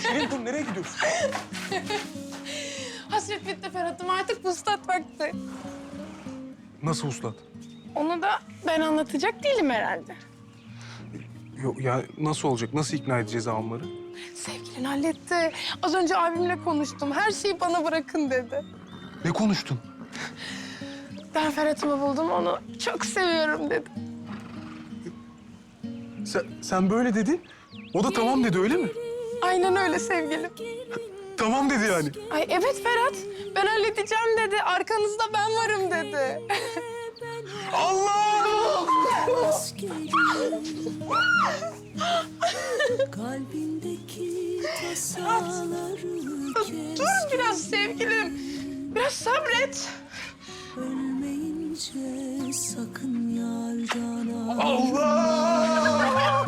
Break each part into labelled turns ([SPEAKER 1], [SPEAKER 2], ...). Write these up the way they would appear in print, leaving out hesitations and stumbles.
[SPEAKER 1] Şirin dur, nereye gidiyorsun?
[SPEAKER 2] Hasret bitti Ferhat'ım, artık vuslat vakti.
[SPEAKER 1] Nasıl uslat?
[SPEAKER 2] Onu da ben anlatacak değilim herhalde.
[SPEAKER 1] Yok ya, nasıl olacak? Nasıl ikna edeceğiz ağamları?
[SPEAKER 2] Sevgilin halletti. Az önce abimle konuştum. Her şeyi bana bırakın dedi.
[SPEAKER 1] Ne konuştun?
[SPEAKER 2] Ben Ferhat'ımı buldum, onu çok seviyorum dedi.
[SPEAKER 1] Sen böyle dedin. O da tamam dedi, öyle mi?
[SPEAKER 2] Aynen öyle sevgilim.
[SPEAKER 1] Tamam dedi yani.
[SPEAKER 2] Ay evet Ferhat, ben halledeceğim dedi. Arkanızda ben varım dedi.
[SPEAKER 1] Allah!
[SPEAKER 3] Kalbindeki tasaları
[SPEAKER 2] Dur biraz sevgilim. Biraz sabret.
[SPEAKER 3] Ölmeyince sakın yardan al.
[SPEAKER 1] Allah!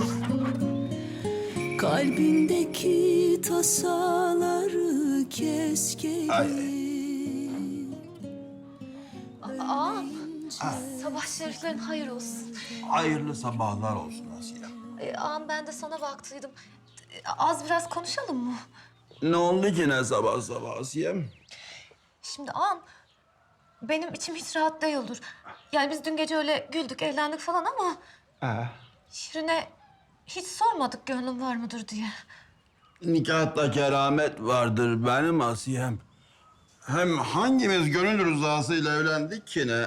[SPEAKER 3] Kalbindeki tasaları kes gelin.
[SPEAKER 4] Ağam, sabah şeriflerin hayır olsun.
[SPEAKER 5] Hayırlı sabahlar olsun Asiye.
[SPEAKER 4] Ağam ben de sana baktıydım. Az biraz konuşalım mı?
[SPEAKER 5] Ne oldu ki ne sabah sabah Asiye'm?
[SPEAKER 4] Şimdi ağam, benim içim hiç rahat değildir. Yani biz dün gece öyle güldük, eğlendik falan ama... Şirin'e hiç sormadık gönlüm var mıdır diye.
[SPEAKER 5] Nikahta keramet vardır benim Asiye'm. Hem hangimiz gönül rızasıyla evlendik ki ne?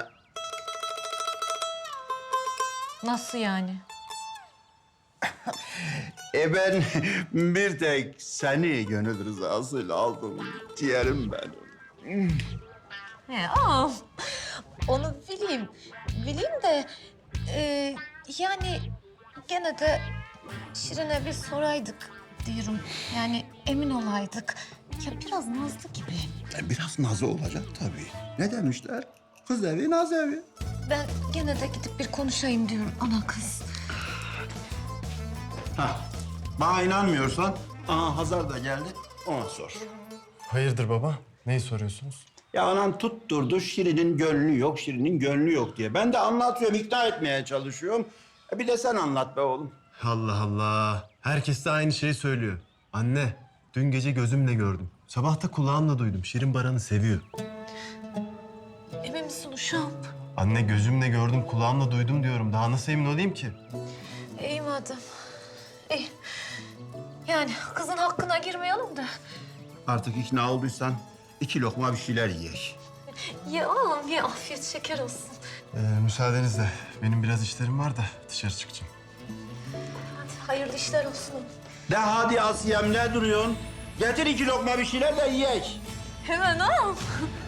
[SPEAKER 4] Nasıl yani?
[SPEAKER 5] Ben bir tek seni gönül rızasıyla aldım diyelim ben.
[SPEAKER 4] He ağam, onu bileyim de... yani gene de Şirin'e bir soraydık diyorum. Yani emin olaydık. Ya biraz nazlı gibi.
[SPEAKER 5] Biraz nazı olacak tabii. Ne demişler? Kız evi, naz evi.
[SPEAKER 4] Ben gene de gidip bir konuşayım diyorum ana kız.
[SPEAKER 5] Hah, bana inanmıyorsan, aha Hazar da geldi, ona sor.
[SPEAKER 6] Hayırdır baba? Neyi soruyorsunuz?
[SPEAKER 5] Ya anan tutturdu, Şirin'in gönlü yok, Şirin'in gönlü yok diye. Ben de anlatıyorum, ikna etmeye çalışıyorum. Bir de sen anlat be oğlum.
[SPEAKER 6] Allah Allah. Herkes de aynı şeyi söylüyor. Anne, dün gece gözümle gördüm. Sabah da kulağımla duydum. Şirin Baran'ı seviyor.
[SPEAKER 4] Emin misin uşağım?
[SPEAKER 6] Anne gözümle gördüm, kulağımla duydum diyorum. Daha nasıl emin olayım ki?
[SPEAKER 4] İyi madem. İyi. Yani kızın hakkına girmeyelim de.
[SPEAKER 5] Artık ikna olduysan 2 lokma bir şeyler yiyek.
[SPEAKER 4] Ye ağam ye, afiyet şeker olsun.
[SPEAKER 6] Müsaadenizle. Benim biraz işlerim var da dışarı çıkacağım.
[SPEAKER 4] Hadi hayırlı işler olsun.
[SPEAKER 5] De hadi Asiyem, ne duruyorsun? Getir 2 lokma bir şeyler de yiyek.
[SPEAKER 4] Hemen ağam.